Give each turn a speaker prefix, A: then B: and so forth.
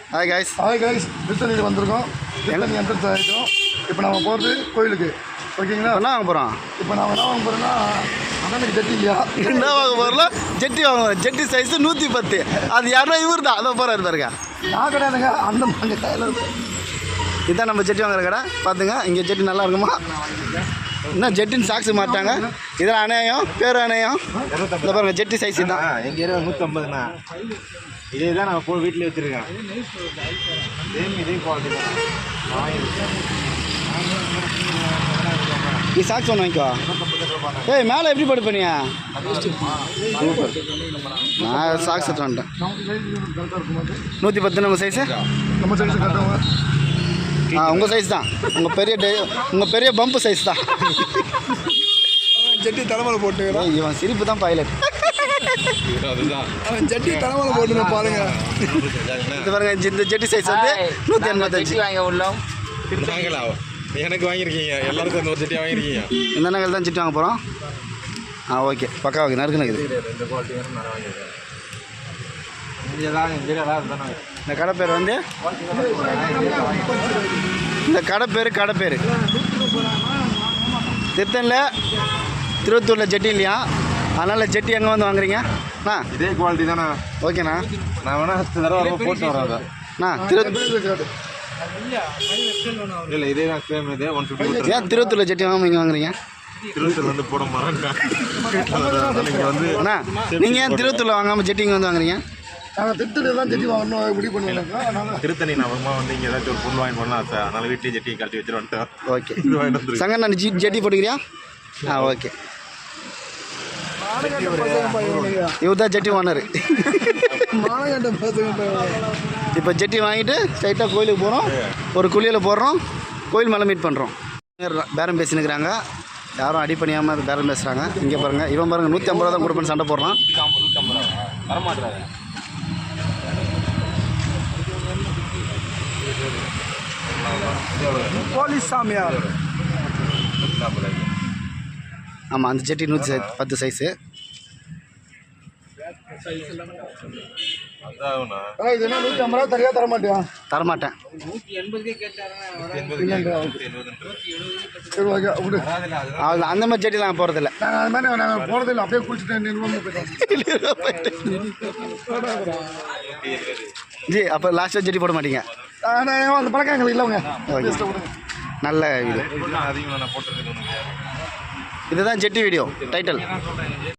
A: Hi guys.
B: திருத்தணியில் வந்திருக்கோம். Tiruttani entrance ஆகிட்டோம். இப்போ நம்ம போகிறது கோயிலுக்கு. ஓகேங்களா?
A: என்ன வாங்க போகிறோம்?
B: இப்போ நான் என்ன வாங்க போகிறேன்னா அண்ணனுக்கு ஜெட்டி இல்லையா?
A: என்ன வாங்க போகிறோம்ல? ஜெட்டி வாங்க போகிறோம். ஜெட்டி சைஸு 110. அது யாரோ இவர் தான் அதை போகிறாரு பாருங்க.
B: நான் கிடையாதுங்க, அந்த மாதிரி டைலர்.
A: இதுதான் நம்ம ஜெட்டி வாங்குற கடை. பார்த்துங்க, இங்கே ஜெட்டி நல்லா இருக்குமா? என்ன ஜெட்டின்னு சாக்ஸு மாட்டாங்க. இதெல்லாம் அணையம், பேர் அணையம். இந்த பாருங்க ஜெட்டி சைஸ் தான்.
C: எங்கள் ஏரியா 150ண்ணா. இதே தான் நான் வீட்டில் வச்சுருக்கேன். இதே குவாலிட்டி தான்.
A: நீ சாக்ஸ் ஒன்று வாங்கிக்கோ. ஏய் மேலே எப்படி போட்டு பண்ணியா? சூப்பர். நான் சாக்ஸ் எடுத்து வந்துட்டேன். 110 நம்ம சைஸு.
B: நம்ம சைஸு கரெக்டாக.
A: உங்கள் சைஸ் தான். உங்கள் பெரிய பம்பு சைஸ் தான்.
B: ஜெட்டி தலைமையில் போட்டு
A: இவன் சிரிப்பு தான் பைலட்.
B: அவன் ஜெட்டி தலைமையில் போட்டு பாருங்க.
A: இது பாருங்க, இந்த ஜெட்டி சைஸ் வந்து 185
D: வாங்க உள்ளோம்.
C: எனக்கு வாங்கியிருக்கீங்க, எல்லாருக்கும் இந்த ஒரு ஜெட்டி வாங்கியிருக்கீங்க.
A: இந்த நகல் தான் ஜெட்டி வாங்க போகிறோம். ஓகே, பக்கா ஓகே. நறுக்கு நக்குது.
C: ரெண்டு குவாலிட்டி வேணும் நான் வாங்கியிருக்கேன்.
A: இந்த கடை பேர் வந்து கடை பேர் திருத்தணியில் திருவத்தூரில் ஜெட்டி இல்லையா? அதனால் ஜெட்டி எங்கே வந்து வாங்குறீங்க?
C: இதே குவாலிட்டி தானே.
A: ஓகேண்ணா,
C: நான் வேணா தடவை போட்டு வரேன். இல்லை இதே தான் சேம். இதே 150.
A: ஏன் திருவத்தூரில் ஜெட்டி வாங்க இங்கே வாங்குறீங்க?
C: திருவத்தூர் வந்து போட மாட்டேன்.
A: அண்ணா, நீங்கள் ஏன் திருவத்தூரில் வாங்காமல் ஜெட்டி இங்கே வந்து வாங்குறீங்க?
B: நாங்கள் திருத்தணி தான் ஜெட்டி வாங்கணும் முடிவு பண்ணுவாங்க.
C: திருத்தணி நான் அப்புறமா வந்து இங்கே ஏதாச்சும் ஒரு பொருள் வாங்கிட்டு வரலாம் சார். அதனால் வீட்லேயே ஜெட்டி கழட்டி வச்சுட்டு வந்துட்டேன்.
A: ஓகே சங்கர், நான் ஜெட்டி போட்டுக்கிறியா? ஓகே. இவர் தான் ஜெட்டி ஓனர். இப்போ ஜெட்டி வாங்கிட்டு ஸ்ட்ரைட்டாக கோயிலுக்கு போகிறோம். ஒரு குளியலை போடுறோம், கோயில் மேலே மீட் பண்ணுறோம். பேரம் பேசினுக்கிறாங்க, யாரும் அடி பண்ணியாமல் பேரம் பேசுகிறாங்க. இங்கே பாருங்கள், இவன் பாருங்கள் 150 ரூபா தான் கொடுப்பேன்னு சண்டை போடுறான்.
B: போலீஸ் சாமியார்.
A: ஆமாம், அந்த ஜெட்டி 110 சைஸு.
B: இது என்ன 150 ரூபா தனியாக தரமாட்டியா?
A: தரமாட்டேன். அந்த மாதிரி ஜெட்டி நாங்கள் போகிறதில்ல.
B: நாங்கள் அது மாதிரி நாங்கள் போகிறதில்ல. அப்படியே குளிச்சுட்டு
A: ஜி, அப்போ லாஸ்ட்டாக ஜெட்டி போட மாட்டீங்க?
B: அந்த பழக்கம் எங்களுக்கு இல்லைங்க.
A: நல்ல வீடியோ.
C: அதிகமாக நான் போட்டுருக்கேன்.
A: இதுதான் ஜெட்டி வீடியோ டைட்டில்.